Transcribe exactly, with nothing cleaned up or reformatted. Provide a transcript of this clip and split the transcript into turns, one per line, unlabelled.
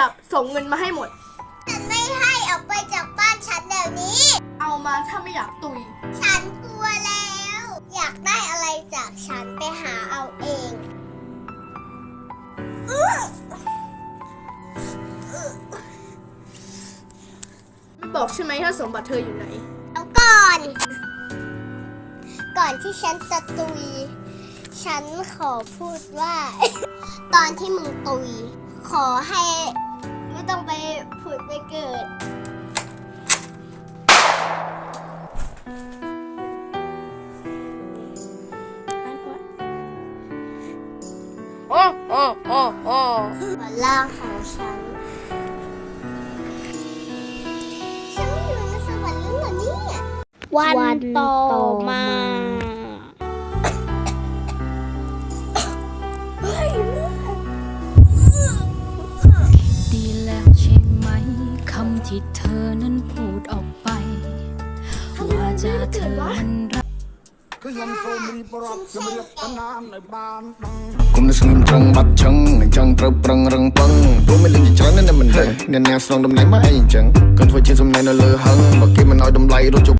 จับส่งเงินมาให้หมด
ฉันไม่ให้ออกไปจากบ้านฉันเดี๋ยวนี้
เอามาถ้าไม่อยากตุย
ฉันกลัวแล้วอยากได้อะไรจากฉันไปหาเอาเอง
ไม่บอกใช่ไหมถ้าสมบัติเธออยู่ไหน
เอาก่อนก่อนที่ฉันจะตุยฉันขอพูดว่า ตอนที่มึงตุยขอให้ไม่ต้องไปผุดไปเกิด
โอ้โอ้โอ้โอ้
บนล่างของฉันฉันอยู่ในสวรรค์แล้วเหรอเนี่ย
วันต่อมา
ดีแล้วใช่ไหมคำที่เธอนั้นพูดออกไปว่าจะเธอมันรัก
គុំនឹងស្ងៀមត្រង់បាត់ឆឹងអញ្ចឹងត្រូវប្រឹងរឹងពឹងព្រោះមានលិញច្រើនណាស់មិនដឹងអ្នកណាស្នងតំណែងមកអីអញ្ចឹងកូនធ្វើជាសំណែននៅលើហឹងបើគេមិនឲ្យតម្លៃរត់